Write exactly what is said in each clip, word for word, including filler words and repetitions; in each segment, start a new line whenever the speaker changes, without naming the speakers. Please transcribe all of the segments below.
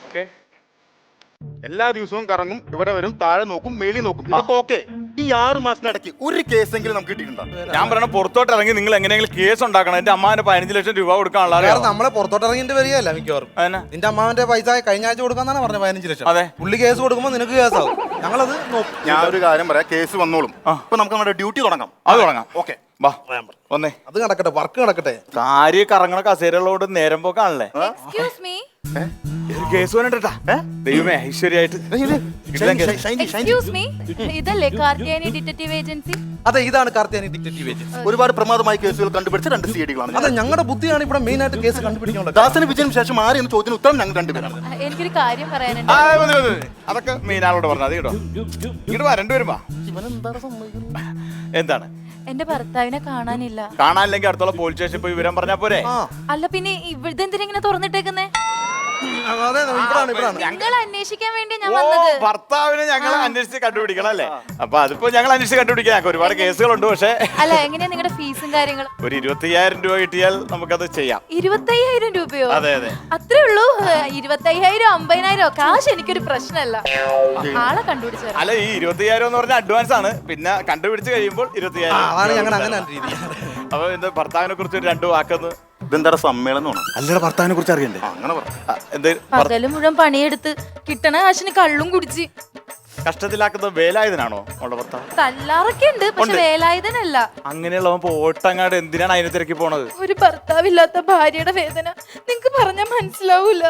Okay. എല്ലാ ദിവസവും കറങ്ങും, ഇവിടെ വരും, താഴെ നോക്കും, മേളി നോക്കും. ഇതൊക്കെ ഓക്കെ. ഈ ആറ് മാസത്തിനിടയ്ക്ക് ഒരു കേസെങ്കിലും നമുക്ക് കിട്ടിയിട്ടുണ്ടോ?
ഞാൻ പറയണ പുറത്തോട്ട് ഇറങ്ങി നിങ്ങൾ എങ്ങനെയെങ്കിലും കേസ് ഉണ്ടാക്കണം. എന്റെ അമ്മാവന്റെ പതിനഞ്ച് ലക്ഷം രൂപ കൊടുക്കാനുള്ള
നമ്മളെ പുറത്തോട്ട് ഇറങ്ങിട്ട് വരികയല്ല മിക്കവാറും. നിന്റെ അമ്മാവന്റെ പൈസ കഴിഞ്ഞ ആഴ്ച കൊടുക്കാന്നാണ് പറഞ്ഞത്, പതിനഞ്ച് ലക്ഷം.
അതെ,
പുള്ളി കേസ് കൊടുക്കുമ്പോൾ നിനക്ക് കേസാവും. ഞങ്ങളത്
ഞാൻ ഒരു കാര്യം പറയാം, കേസ് വന്നോളും. ഇപ്പൊ നമുക്ക് നമ്മുടെ ഡ്യൂട്ടി തുടങ്ങാം.
അത് തുടങ്ങാം.
ഓക്കെ,
വാ വന്നേ.
അത് നടക്കട്ടെ, വർക്ക് നടക്കട്ടെ.
കാര്യം കറങ്ങണ കസേരകളോട് നേരം പോക്കാണല്ലേ.
എക്സ്ക്യൂസ് മീ
കേസ് വേണ്ടിട്ടാ ദൈവമേ ഐശ്വര്യായിട്ട്.
എക്സ്ക്യൂസ് മീ ഇതല്ലേ കാർത്തിയാനി ഡിറ്റക്റ്റീവ് ഏജൻസി?
അതെ, ഇതാണ് കാർത്തിയാനി ഡിറ്റക്റ്റീവ് ഏജൻസി.
ഒരുപാട് പ്രമാദമായ കേസുകൾ കണ്ടുപിടിച്ച രണ്ട് സി ഡികളാണ്.
അതെ, ഞങ്ങളുടെ ബുദ്ധിയാണ് ഇവിടെ മെയിൻ ആയിട്ട് കേസ് കണ്ടുപിടിക്കാനുള്ളത്.
ദാസന് വിജയന് ശേഷം ആര് എന്ന ചോദ്യത്തിന് ഉത്തരം ഞങ്ങൾ രണ്ടുപേരാണ്.
എനിക്കൊരു കാര്യം പറയാനുണ്ട്.
ആ, മതി, മതി, മതി. അതൊക്കെ മീനാളോട് പറഞ്ഞു. അത് കേട്ടോ, ഇങ്ങോട്ട് വാ, രണ്ടുപേരും വാ. എന്താണ്?
എന്റെ ഭർത്താവിനെ കാണാനില്ല.
കാണാനില്ലെങ്കിൽ അടുത്തുള്ള പോലീസ് സ്റ്റേഷനിൽ പോയി വിവരം പറഞ്ഞാ പോരെ?
അല്ല പിന്നെ ഇവിടുത്തെ എന്തിനാ ഇങ്ങനെ തുറന്നിട്ടേക്കുന്നേ?
അതെ, ഇവിടാണ് ഇവിടാണ്
നിങ്ങൾ അന്വേഷിക്കാൻ വേണ്ടി ഞാൻ വന്നത്.
ഭർത്താവിനെ ഞങ്ങൾ അന്വേഷിച്ച് കണ്ടുപിടിക്കണം അല്ലേ? അപ്പൊ അതിപ്പോ ഞങ്ങൾ അന്വേഷിച്ച് കണ്ടുപിടിക്കാം. ഞങ്ങൾക്ക് ഒരുപാട് കേസുകളുണ്ട്. പക്ഷേ
അല്ല, എങ്ങനെയാ നിങ്ങളുടെ ഫീസും കാര്യങ്ങളും?
ഒരു ഇരുപത്തയ്യായിരം രൂപ കിട്ടിയാൽ നമുക്കത് ചെയ്യാം.
ഇരുപത്തയ്യായിരം രൂപയോ?
അതെ അതെ,
അത്രേ ഉള്ളൂ. ഇരുപത്തയ്യായിരം അമ്പതിനായിരം കാശ് എനിക്കൊരു പ്രശ്നമല്ല. ആളെ കണ്ടുപിടിച്ചു.
അല്ല, ഈ ഇരുപത്തയ്യായിരം എന്ന് പറഞ്ഞാൽ അഡ്വാൻസ് ആണ്. പിന്നെ കണ്ടുപിടിച്ച് കഴിയുമ്പോൾ ഇരുപത്തയ്യായിരം. അപ്പൊ എന്താ ഭർത്താവിനെ കുറിച്ച് ഒരു രണ്ടു വാക്കൊന്ന്.
ഇതെന്താ സമ്മേളനമാണ്?
അല്ലയുടെ ഭർത്താവിനെ കുറിച്ച് അറിയണ്ടേ?
അങ്ങനെ
പകല് മുഴുവൻ പണിയെടുത്ത് കിട്ടണ കാശിന് കള്ളും കുടിച്ച്
കഷ്ടത്തിലാക്കുന്ന വേലായുധനാണോ അവളുടെ ഭർത്താവ്?
തല്ലാറൊക്കെ ഉണ്ട്, പക്ഷെ വേലായുധനല്ല.
അങ്ങനെയുള്ളവൻ ഓട്ടങ്ങാട് എന്തിനാണ് അതിനെ തിരക്കി പോണത്?
ഒരു ഭർത്താവില്ലാത്ത ഭാര്യയുടെ വേദന നിങ്ങക്ക് പറഞ്ഞാൽ മനസ്സിലാവൂല.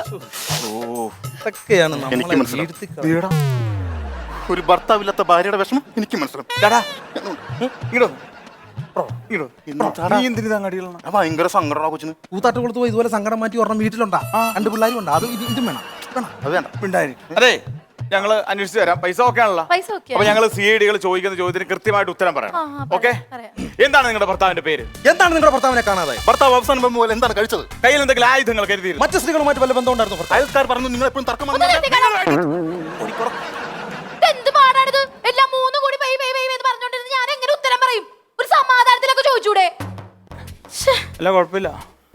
എനിക്ക് മനസ്സിലാവും. ഒരു ഭർത്താവില്ലാത്ത ഭാര്യയുടെ വിഷമം എനിക്ക് മനസ്സിലാവും. ഭയങ്കര സങ്കടമാണ് കൊച്ചിന്.
കൂത്താട്ട് കൊടുത്തു പോയി ഇതുപോലെ സങ്കടം മാറ്റി ഒരെണ്ണം വീട്ടിലുണ്ടാ, രണ്ട് പിള്ളേരും ഉണ്ട്. അത് ഇതും വേണം.
അത് വേണ്ട.
അതെ, ഞങ്ങള് അന്വേഷിച്ച് തരാം. പൈസ ഓക്കെ ആണല്ലോ?
പൈസ ഓക്കെ.
അപ്പൊ ഞങ്ങള് സി ഐ ഡികൾ ചോദിക്കുന്ന ചോദ്യത്തിന് കൃത്യമായിട്ട് ഉത്തരം പറയണം. ഓക്കെ? എന്താണ് നിങ്ങളുടെ ഭർത്താവിന്റെ പേര്?
എന്താണ് നിങ്ങളുടെ ഭർത്താവിനെ കാണാതായി?
ഭർത്താവ് അവസാനം പോലെ എന്താണ് കഴിച്ചത്?
കയ്യിൽ എന്തെങ്കിലും ആയുധങ്ങൾ കരുതിയിരുന്നു?
മറ്റു സ്ത്രീകളുമായിട്ട് വല്ല ബന്ധം ഉണ്ടായിരുന്നു?
അയൽക്കാർ പറഞ്ഞു നിങ്ങൾ എപ്പോഴും തർക്കം
എന്ത് പാടാണിത്? എല്ലാം മൂന്ന് കൂടി പൈ പൈ പൈ എന്ന് പറഞ്ഞോണ്ടിരുന്ന് ഞാൻ എങ്ങനെ ഉത്തരം പറയും? ഒരു സമാധാനത്തിലൊക്കെ ചോദിച്ചൂടെ?
അല്ല, കുഴപ്പമില്ല.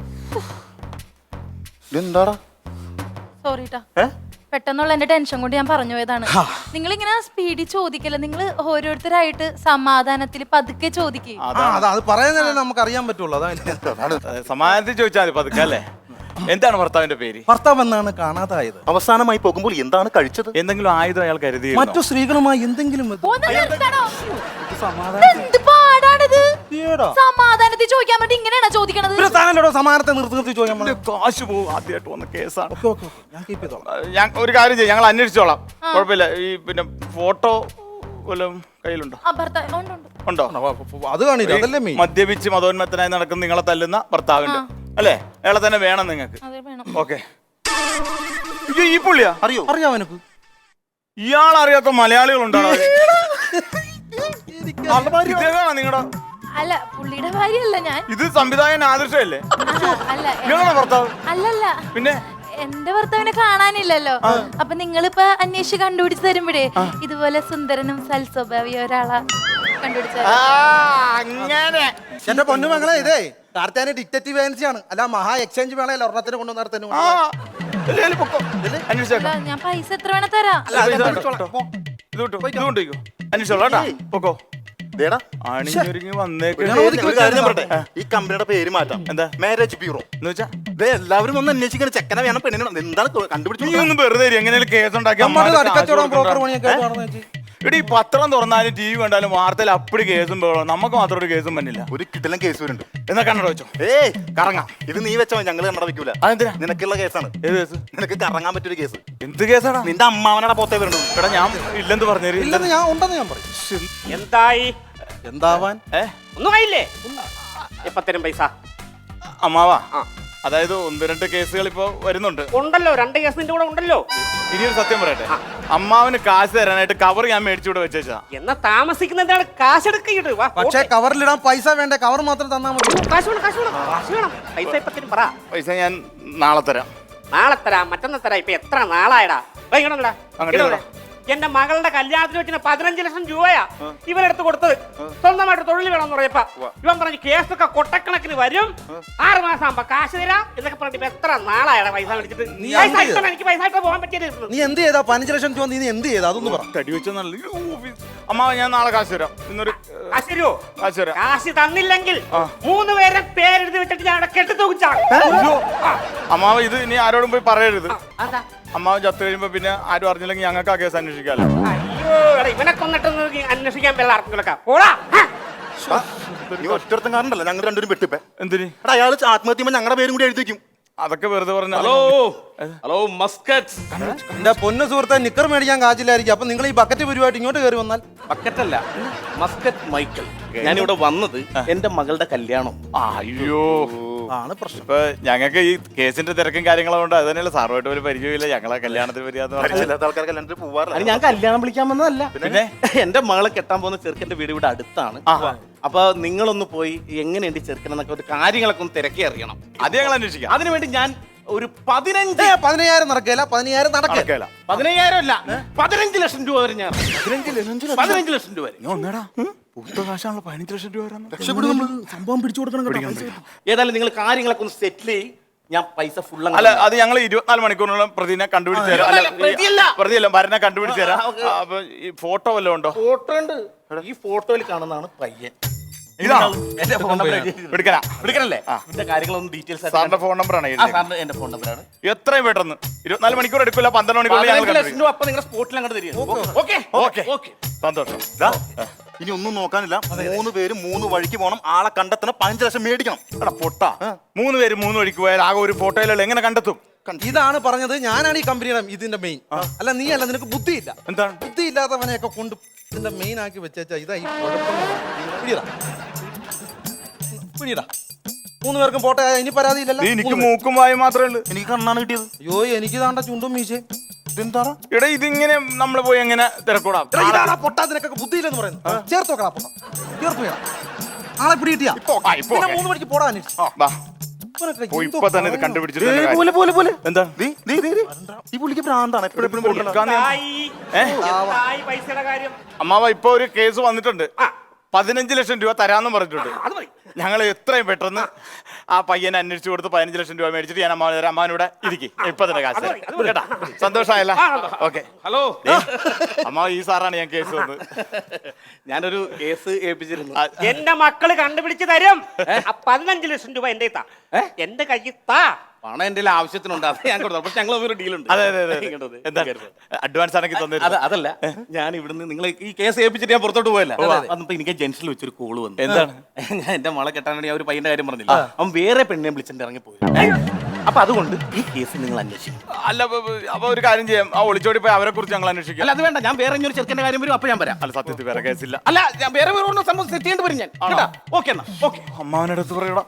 എന്താടാ?
സോറി ട്ടാ, പെട്ടെന്നുള്ള എന്റെ ടെൻഷൻ കൊണ്ട് ഞാൻ പറഞ്ഞു പോയതാണ്. നിങ്ങൾ ഇങ്ങനെ സ്പീഡിൽ ചോദിക്കല്ല, നിങ്ങൾ ഓരോരുത്തരായിട്ട് സമാധാനത്തിൽ പതുക്കെ ചോദിക്കുക.
അത് പറയുന്നതല്ലേ നമുക്ക് അറിയാൻ പറ്റുള്ളൂ. അതാണ്
സമാധാനത്തിൽ ചോദിച്ചാൽ മതി പതുക്കെ അല്ലേ? എന്താണ് ഭർത്താവിന്റെ പേര്?
ഭർത്താവ് എന്നാണ് കാണാതായത്.
അവസാനമായി പോകുമ്പോൾ എന്താണ് കഴിച്ചത്?
എന്തെങ്കിലും ആയുധം അയാൾ കരുതി?
മറ്റു സ്ത്രീകളുമായി എന്തെങ്കിലും
സമാധാനത്തിൽ ചോദിക്കാൻ വേണ്ടി ഇങ്ങനെയാണോ ചോദിക്കണത്?
സമാധാനത്തെ നിർത്തി നിർത്തി ചോദിക്കാൻ
കാശ് പോകും. ആദ്യമായിട്ട് വന്ന കേസാണ്. ഞാൻ ഒരു കാര്യം ചെയ്യും, ഞങ്ങൾ അന്വേഷിച്ചോളാം. കുഴപ്പമില്ല. ഈ പിന്നെ ഫോട്ടോ വല്ലതും കയ്യിലുണ്ടോ? ഉണ്ടോ?
അത് കാണില്ല. അതല്ലേ
മദ്യപിച്ച് മതോന്മത്തനായി നടക്കുന്ന നിങ്ങളെ തല്ലുന്ന ഭർത്താവിന്റെ അല്ലേ? അയാളെ തന്നെ വേണം നിങ്ങൾക്ക്. ഓക്കെ. ഈ പുള്ളിയാ?
അറിയോ? അറിയാം എനിക്ക്.
ഇയാൾ അറിയാത്ത മലയാളികളുണ്ടോ? നിങ്ങളുടെ
അല്ല, പുള്ളിയുടെ ഭാര്യയല്ല ഞാൻ.
ഇത് സംവിധായകൻ ആദർശല്ലേ?
അല്ല,
നിങ്ങളുടെ ഭർത്താവ്?
അല്ലല്ല.
പിന്നെ
എന്റെ ഭർത്താവിനെ കാണാനില്ലല്ലോ. അപ്പൊ നിങ്ങളിപ്പോ അന്വേഷിച്ച് കണ്ടുപിടിച്ച് തരുമ്പോഴേ ഇതുപോലെ സുന്ദരനും സൽസ്വഭാവിയ ഒരാളാ കണ്ടുപിടിച്ച.
അങ്ങനെ
എന്റെ പൊന്നുമകളെ, ഇതേ കാർത്തിയാനി ഡിറ്റക്റ്റീവ് ഏജൻസിയാണ്. അല്ല, മഹാ എക്സ്ചേഞ്ച് വേണമല്ലോ ഒരെണ്ണത്തിന് കൊണ്ടുവന്നിടത്തേനും.
ഞാൻ പൈസ എത്ര വേണ തരാം.
ഈ കമ്പനിയുടെ പേര് മാറ്റാം. എന്താ? മാരേജ് ബ്യൂറോ എന്ന് വെച്ചാ എല്ലാവരും ഒന്ന് അന്വേഷിക്കണം. ചെക്കനെ വേണം, പെണ്ണിനെ എന്താണ് കണ്ടുപിടിച്ചു?
വെറുതെ എങ്ങനെ കേസ് ഉണ്ടാക്കി ഇവിടെ ഈ പത്രം തുറന്നാലും ടി വി കണ്ടാലും വാർത്തയിൽ അപ്പടി കേസും വേണം. നമുക്ക് മാത്രം ഒരു കേസും പറ്റില്ല.
ഒരു കിട്ടിലും കേസ് വരുന്നുണ്ട്.
എന്നാ കണ്ണട വെച്ചോ.
ഏയ് കറങ്ങാം. ഇത് നീ വെച്ചോ, ഞങ്ങള് കണ്ണട വെക്കൂല. അതെന്തിനാ? നിനക്കുള്ള കേസാണ്.
ഏത് കേസ്?
നിനക്ക് കറങ്ങാൻ പറ്റൊരു കേസ്.
എന്ത് കേസാണ്?
നിന്റെ അമ്മാവനടെ പോത്തേ വരണ്ടു.
ഇവിടെ ഞാൻ ഇല്ലെന്ന് പറഞ്ഞു.
ഇല്ലെന്ന് ഞാൻ ഉണ്ടെന്ന് ഞാൻ പറയും.
എന്തായി?
എന്താവാൻ?
ഏ
ഒന്നും ആയില്ലേ? ഇപ്പൊ തരും പൈസ.
അമ്മാവാ, അതായത് ഒന്ന് രണ്ട് കേസുകൾ ഇപ്പൊ വരുന്നുണ്ട്.
ഉണ്ടല്ലോ, രണ്ട് കേസ് നിന്റെ കൂടെ ഉണ്ടല്ലോ.
ഇനിയൊരു സത്യം പറയട്ടെ, അമ്മാവന് കാശ് തരാനായിട്ട് കവർ ഞാൻ മേടിച്ചുകൂടെ വെച്ചാ.
എന്നാ താമസിക്കുന്നതാണ് കാശ് എടുക്കിട്ട്.
പക്ഷേ കവറിലിടാൻ പൈസ വേണ്ടേ? കവർ മാത്രം തന്നാ മതി.
കാശ് വേണം, കാശ് വേണം, കാശ് വേണം. പൈസ ഇപ്പൊ തരും. പറ.
പൈസ ഞാൻ നാളെ തരാം.
നാളെ തരാം, മറ്റന്നാ തരാം. ഇപ്പൊ എത്ര നാളായടാ?
അങ്ങോട്ട്
എന്റെ മകളുടെ കല്യാണത്തിന് വെച്ചിന് പതിനഞ്ച് ലക്ഷം രൂപയാ ഇവനെടുത്ത് കൊടുത്തത്. സ്വന്തമായിട്ട് തൊഴിൽ വേണമെന്ന് പറയപ്പ ഇവൻ പറഞ്ഞു കേസൊക്കെ കൊട്ടക്കണക്കിന് വരും, ആറ് മാസം ആകുമ്പോ കാശ് തരാം എന്നൊക്കെ പറഞ്ഞിട്ട് ഇപ്പൊ എത്ര നാളായാണ് പൈസ മേടിച്ചിട്ട്.
നീ
പൈസ
എന്ത്
ആയിട്ട് എനിക്ക് പൈസ ആയിട്ട് പോകാൻ പറ്റിയത്.
നീ എന്ത് ചെയ്താ പതിനഞ്ച് ലക്ഷം രൂപ? നീ എന്ത് ചെയ്താ അതൊന്ന് പറ.
തടി വെച്ച നല്ല അമ്മാവ ഞാൻ നാളെ കാശ് തരാം. ഇന്നൊരു
കാശ് തരുമോ?
കാശ് തരാം.
കാശ് തന്നില്ലെങ്കിൽ മൂന്ന് പേരെ പേരെഴുതി വെച്ചിട്ട് ഞാൻ അവിടെ കെട്ടി തൂക്കിച്ചാണ്.
അമ്മാവ ഇത് ഇനി ആരോടും പോയി പറയരുത്.
അതാ
അമ്മാവൻ ചത്തു കഴിയുമ്പോ പിന്നെ ആരും അറിഞ്ഞില്ലെങ്കിൽ ഞങ്ങൾക്ക് ആ കേസ് അന്വേഷിക്കാമല്ലോ.
അയ്യോ എടാ, ഇവനെ കൊന്നിട്ടൊന്ന് അന്വേഷിക്കാൻ വല്ല ആർക്കെങ്കിലൊക്കെ പോടാ.
നീ ഒറ്റടുത്തും കാരണല്ലോ ഞങ്ങൾ രണ്ടുപേരും വെട്ടിപ്പേ.
എന്തിന്?
എടാ അയാൾ ആത്മഹത്യ ചെയ്യുമ്പോ ഞങ്ങളുടെ പേരും കൂടി എഴുതിക്കും.
അതൊക്കെ വെറുതെ പറഞ്ഞ.
Hello hello Muscat.
എന്റെ പൊന്നു സുഹൃത്തെ, നിക്കർ മേടിക്കാൻ കാച്ചില്ലായിരിക്കും. അപ്പൊ നിങ്ങൾ ഈ ബക്കറ്റ് പരിപാടി ഇങ്ങോട്ട് കയറി വന്നാൽ
ബക്കറ്റല്ല, മസ്കറ്റ് മൈക്കിൾ. ഞാനിവിടെ വന്നത് എന്റെ മകളുടെ കല്യാണം.
അയ്യോ
ആണ് പ്രശ്നം.
ഇപ്പൊ ഞങ്ങൾക്ക് ഈ കേസിന്റെ തിരക്കും കാര്യങ്ങളും കൊണ്ട് അത് തന്നെയല്ല, സാറുമായിട്ട് ഒരു പരിചയമില്ല. ഞങ്ങളെ കല്യാണത്തിന് വരികയെന്ന് പറഞ്ഞാൽ
പരിചയമില്ലാത്ത ആൾക്കാർക്ക് കല്യാണത്തിന് പോവാറില്ല.
അത് ഞാൻ കല്യാണം വിളിക്കാൻ വന്നതല്ല.
പിന്നെ?
എന്റെ മകളെ കെട്ടാൻ പോകുന്ന ചെറുക്കന്റെ വീട് ഇവിടെ അടുത്താണ്. അപ്പൊ നിങ്ങളൊന്ന് പോയി എങ്ങനെയുണ്ട് ചെറുക്കനെന്നൊക്കെ ഒരു കാര്യങ്ങളൊക്കെ ഒന്ന് തിരക്കി അറിയണം.
അത് ഞങ്ങൾ അന്വേഷിക്കാം.
അതിനുവേണ്ടി ഞാൻ ഒരു പതിനഞ്ച്
ഏ, പതിനയ്യായിരം നടക്കില്ല, പതിനയ്യായിരം നടക്കില്ല.
നടക്കേല.
പതിനയ്യായിരം അല്ല പതിനഞ്ച് ലക്ഷം രൂപ വരെ ഞാൻ പതിനഞ്ച് ലക്ഷം രൂപ വരെ.
ഒന്നേടാ പൂത്ത കാശാണല്ലോ പതിനഞ്ച് ലക്ഷം രൂപ വരാൻ.
സംഭവം പിടിച്ചു കൊടുക്കണം.
ഏതായാലും നിങ്ങൾ കാര്യങ്ങളൊക്കെ ഒന്ന് സെറ്റിൽ ചെയ്യും. ഞാൻ പൈസ ഫുൾ
അല്ല അത് ഞങ്ങൾ ഇരുപത്തിനാല് മണിക്കൂറിനുള്ള പ്രതിനെ കണ്ടുപിടിച്ച് തരാം. അല്ല, ഈ-
പ്രതിയല്ല.
പ്രതിയല്ല ഭരനെ കണ്ടുപിടിച്ച് തരാം.
ആ, ഓക്കേ.
ആ, അപ്പൊ ഈ ഫോട്ടോ വല്ലതും ഉണ്ടോ?
ഫോട്ടോ ഉണ്ട്. ഈ ഫോട്ടോയിൽ കാണുന്നതാണ് പയ്യൻ.
ഇതാണോ?
എന്റെ ഫോൺ നമ്പർ
എടുക്കനാ
വിളിക്കണല്ലേ? ഇതിന്റെ കാര്യങ്ങളൊന്നും ഡീറ്റെയിൽസ്
സാറിന്റെ ഫോൺ നമ്പറാണ്
ആ സാറിന്റെ എന്റെ ഫോൺ നമ്പറാണ്.
എത്രയും പെട്ടെന്ന് ഇരുപത്തിനാല് മണിക്കൂർ എടുക്കില്ല, പന്ത്രണ്ട് മണിക്കൂർ ഞങ്ങൾ
പതിനഞ്ച് ലക്ഷം
കണ്ടുപിടിക്കും.
രൂപ അപ്പൊ നിങ്ങളുടെ സ്പോട്ടിൽ അങ്ങോട്ട് തരിക. Okay
okay
okay.
സന്തോഷം.
ദാ, ഇനി ഒന്നും നോക്കാനില്ല. മൂന്ന് പേര് മൂന്ന് വഴിക്ക് പോകണം. ആളെ കണ്ടെത്തണം. പതിനഞ്ച് ലക്ഷം മേടിക്കണം.
എടാ പൊട്ട മൂന്ന് പേര് മൂന്ന് വഴിക്ക് പോയാൽ ആകെ ഒരു ഫോട്ടോയിലുള്ള എങ്ങനെ കണ്ടെത്തും?
ഇതാണ് പറഞ്ഞത്. ഞാനാണ് ഈ കമ്പനിയുടെ ഇതിന്റെ മെയിൻ. അല്ല നീ അല്ല, നിനക്ക് ബുദ്ധിയില്ല.
എന്താണ്?
ബുദ്ധി ഇല്ലാത്തവനെയൊക്കെ കൊണ്ട് ഇതിന്റെ മെയിൻ ആക്കി വെച്ചാ ഇതാ ഈ കുഴപ്പം. പിടിയടാ പിടിയടാ. മൂന്ന് പേർക്കും പോട്ടെ. ഇനി പരാതി ഇല്ലല്ലോ.
നീ എനിക്ക് മൂക്കും വായും മാത്രമേ ഉള്ളൂ.
എനിക്ക് കണ്ണാണ് കിട്ടിയത്.
അയ്യോ, എനിക്ക് താണ്ട ചുണ്ടും മീശയും.
ഇതെന്താ?
എടാ ഇതിങ്ങനെ നമ്മൾ പോയി എങ്ങനെ തിരക്കൂടാം?
എടാ, ഇതാടാ പൊട്ടാ, നിനക്കൊക്കെ ബുദ്ധിയില്ലെന്ന് പറയുന്നത്. ചേർത്ത് വെക്കടാ പൊട്ടാ, ചേർത്ത് വെക്കണം. ആളെ പിടി കിട്ടിയാ
ആ, ഇപ്പൊ
പിന്നെ
ഓക്കേ.
മൂന്ന് മണിക്ക് പോടാ അന്വേഷിച്ച്.
ആ, ബാ.
ഇവനൊക്കെ
പോയി
എന്തോ
ഇപ്പൊ തന്നെ ഇത്
പറയാനാ.
കണ്ടുപിടിച്ചിട്ട്
ഏയ്,
തന്നെ കാര്യം.
പോലെ പോലെ പോലെ.
എന്താ?
ദേ, ദേ, ദേ, ദേ. ഈ പുള്ളിക്ക് ഭ്രാന്താണ്. എപ്പോഴും എപ്പോഴും
കൊടുക്കാൻ ഞാൻ-
എന്തായി? എന്തായി പൈസയുടെ കാര്യം?
അമ്മാവ ഇപ്പൊ ഒരു കേസ് വന്നിട്ടുണ്ട്.
ആ.
പതിനഞ്ച് ലക്ഷം രൂപ തരാന്നും പറഞ്ഞിട്ടുണ്ട്.
അത് മതി.
ഞങ്ങൾ എത്രയും പെട്ടെന്ന് ആ പയ്യനെ അന്വേഷിച്ചു കൊടുത്ത് പതിനഞ്ച് ലക്ഷം രൂപ മേടിച്ചിട്ട് ഞാൻ അമ്മാവൻ തരാം. അമ്മാവനൂടെ ഇരിക്കും. ഇപ്പൊ തന്നെ കാശ്
അത് മതി, അത് മതി.
കേട്ടാ? സന്തോഷമായല്ല?
ആ, സന്തോഷം.
ഓക്കെ.
ഹലോ,
അമ്മാവ ഈ സാറാണ് ഞാൻ കേസ് വന്നത്.
ഞാനൊരു കേസ് ഏൽപ്പിച്ചിരുന്നു.
എന്റെ മക്കള് കണ്ടുപിടിച്ച് തരും. ആ പതിനഞ്ച് ലക്ഷം രൂപ എന്റെ താ എന്റെ കയ്യിൽ താ.
പണം എന്റെ ആവശ്യത്തിനുണ്ട്, അത് ഞാൻ കൊടുത്തു. പക്ഷെ ഞങ്ങൾ ഒരു ഡീലുണ്ട്.
അതെ അതെ അതെ
ഇങ്ങോട്ട് വന്നേ.
എന്താ അഡ്വാൻസ് ആണെങ്കിൽ
അത്
തന്നിരുന്നു.
അതല്ല, ഞാൻ ഇവിടുന്ന് നിങ്ങൾ ഈ കേസ് ഏൽപ്പിച്ചിട്ട് ഞാൻ പുറത്തോട്ട് പോയല്ല. വന്നപ്പോ എനിക്ക് ജംഗ്ഷനിൽ വെച്ചൊരു കോള് വന്നു.
എന്താണ്?
ഞാൻ എന്റെ മകളെ കെട്ടാൻ വേണ്ടി ആ ഒരു പയ്യന്റെ കാര്യം പറഞ്ഞില്ല, അവൻ വേറെ പെണ്ണിനെ വിളിച്ചിട്ട് ഇറങ്ങി പോയി. അപ്പൊ അതുകൊണ്ട് ഈ കേസ് നിങ്ങൾ അന്വേഷിക്കും.
അല്ല അപ്പൊ- അപ്പൊ ഒരു കാര്യം ചെയ്യാം. ആ ഒളിച്ചോടി പോയി അവരെ കുറിച്ച് ഞങ്ങൾ അന്വേഷിക്കാം.
അല്ല അത് വേണ്ട, ഞാൻ വേറെ ഇനി ഒരു ചെറുക്കന്റെ കാര്യം വരും, അപ്പൊ ഞാൻ വരാം.
അല്ല സത്യത്തിൽ വേറെ കേസില്ല.
അല്ല ഞാൻ വേറെ വേറെ ഒന്നും സംഭവം സെറ്റ് ചെയ്യേണ്ടി വരും ഞാൻ. കേട്ടാ? ഓക്കെ എന്നാ ഓക്കെ.
അമ്മാവനടുത്ത് പറയടാ.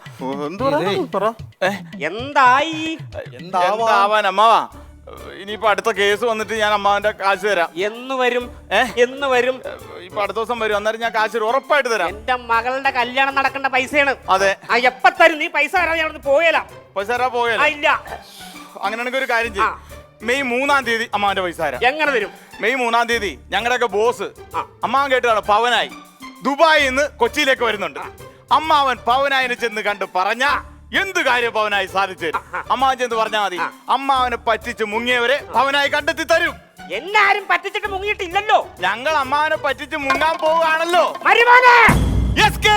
എന്തായി?
എന്താവാൻ അമ്മാവാ? ഇനിയിപ്പോ അടുത്ത കേസ് വന്നിട്ട് ഞാൻ അമ്മാവന്റെ കാശ് തരാം.
എന്ന് വരും?
ഏ?
എന്ന് വരും?
ഇപ്പൊ അടുത്ത ദിവസം വരും. അന്നേരം ഞാൻ കാശ് ഉറപ്പായിട്ട് തരാം.
എന്റെ മകളുടെ കല്യാണം നടക്കേണ്ട പൈസയാണ്.
അതെ.
ആ എപ്പ തരും? നീ പൈസ തരാതെ ഞാൻ പോയല.
പൈസ തരാ പോയല്ലേ?
ഇല്ല.
അങ്ങനെയാണെങ്കിൽ ഒരു കാര്യം ചെയ്യും. മെയ് മൂന്നാം തീയതി അമ്മാവന്റെ പൈസ തരാം.
എങ്ങനെ തരും?
മെയ് മൂന്നാം തീയതി ഞങ്ങളുടെയൊക്കെ ബോസ് അമ്മാവൻ കേട്ടതാണ് പവനായി ദുബായിൽ നിന്ന് കൊച്ചിയിലേക്ക് വരുന്നുണ്ട്. അമ്മാവൻ പവനായിനെ ചെന്ന് കണ്ട് പറഞ്ഞ എന്ത് കാര്യം പവനായി സാധിച്ചു തരും. അമ്മാവൻ ചെന്ന് പറഞ്ഞാൽ മതി. അമ്മാവനെ പറ്റിച്ച് മുങ്ങിയവരെ പവനായി കണ്ടെത്തി തരും.
എന്നാരും പറ്റിച്ചിട്ട് മുങ്ങിയിട്ടില്ലല്ലോ.
ഞങ്ങൾ അമ്മാവനെ പറ്റിച്ച് മുങ്ങാൻ പോവുകയാണല്ലോ.
മരുമോനെ!
Yes K